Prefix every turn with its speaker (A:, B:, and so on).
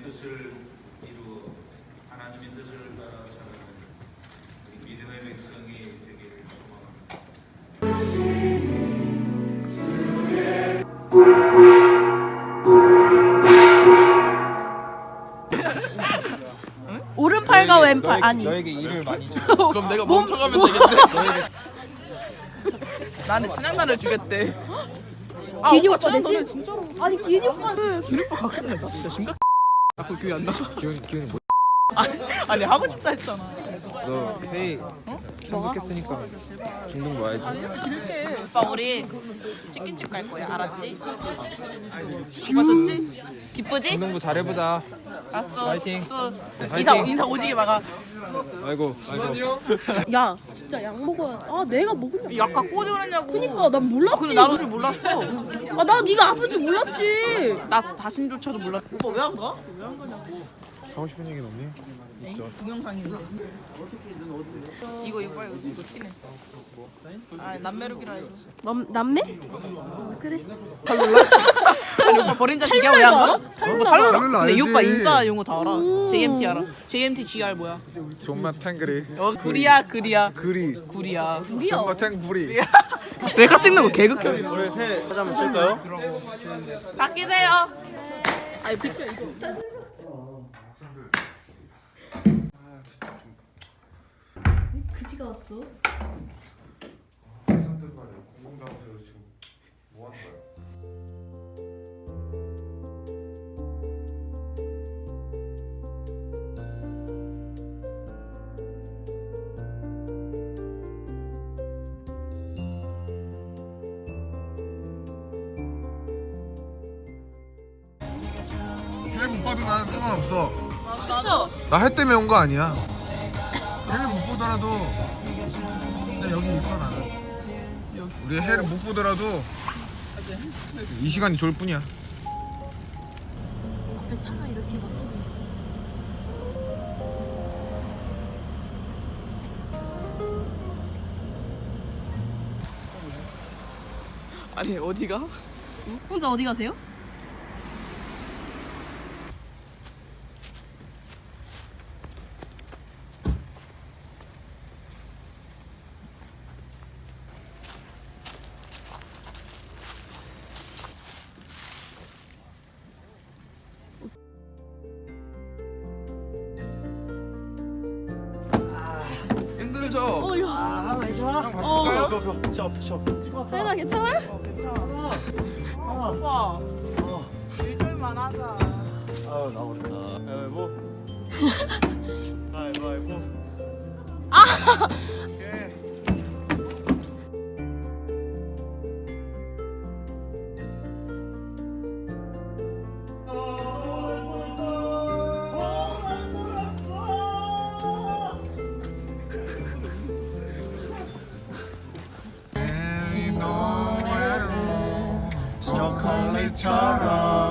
A: 뜻을 이루어 하나님의 뜻을 따라 살아가는 우리 믿음의 백성이 되기를 소망합니다.
B: 오른팔과 왼팔 아니.
C: 너에게 일을 많이 줘.
D: 그럼 내가 멈춰가면 되겠네. 나는 찬양단을 주겠대.
B: 기니 오빠
D: 찬양
B: 대신.
D: 너네 진짜로.
B: 아니 기니 오빠는.
D: 기니 오빠 가끔 나 진짜 심각. 자꾸 교회 안 나가.
C: 기훈이 뭐?
D: 아니 하고 싶다 했잖아.
C: 너 회의 참석했으니까 중등 놔야지.
D: 오빠 우리 치킨집 갈 거야. 알았지? 맞았지? 기쁘지?
C: 중등부 잘해보자.
D: 알았어.
C: 파이팅.
D: 또
C: 파이팅.
D: 인사 오지게 막아.
C: 아이고.
B: 야 진짜 약 먹어야. 아 내가 먹으냐.
D: 약 갖고 오지 그랬냐고.
B: 그니까 난 몰랐지.
D: 근데 나도 줄 몰랐어.
B: 아 나 네가 아픈 줄 몰랐지.
D: 나 다심조차도 몰랐어. 오빠 왜 안 가? 왜 안 가냐고.
C: 하고 싶은 얘기는 없니? 있죠.
D: 동영상인데. 이거 빨리 이거 티네. 아 남매룩이라 해줘.
B: 남매? 그래.
D: 아니 오빠 버린 자식이야 왜 안 가?
C: 칼룰라
D: 근데 이
C: 알지?
D: 오빠 인싸 용어 다 알아. JMT 알아? JMT GR 뭐야?
C: 존맛 탱그리.
D: 구리야 그리야
C: 그리.
D: 구리야.
C: 존맛 탱구리.
D: 셀카 찍는 거 개극혐.
C: 우리 새 사진 한번 찍을까요?
D: 바뀌세요. 아니 비켜 이거.
B: 그지가 왔어.
E: 공공장소에서 지금 뭐 하는 거야? 해 못 봐도 나는 상관없어.
D: 그쵸?
E: 나 해 때문에 온 거 아니야. 해를 못 보더라도 그냥 여기 있어 나는. 우리 해를 못 보더라도 이 시간이 좋을 뿐이야.
B: 앞에 차가 이렇게 막히고 있어.
D: 아니 어디가?
B: 혼자 어디 가세요?
D: 힘들죠?
B: 혜나 괜찮아?
D: 오빠 일절만 하자.
C: 아유 나버렸다. 가위바위보. 가위바위보. 오케이.
E: 초콜릿처럼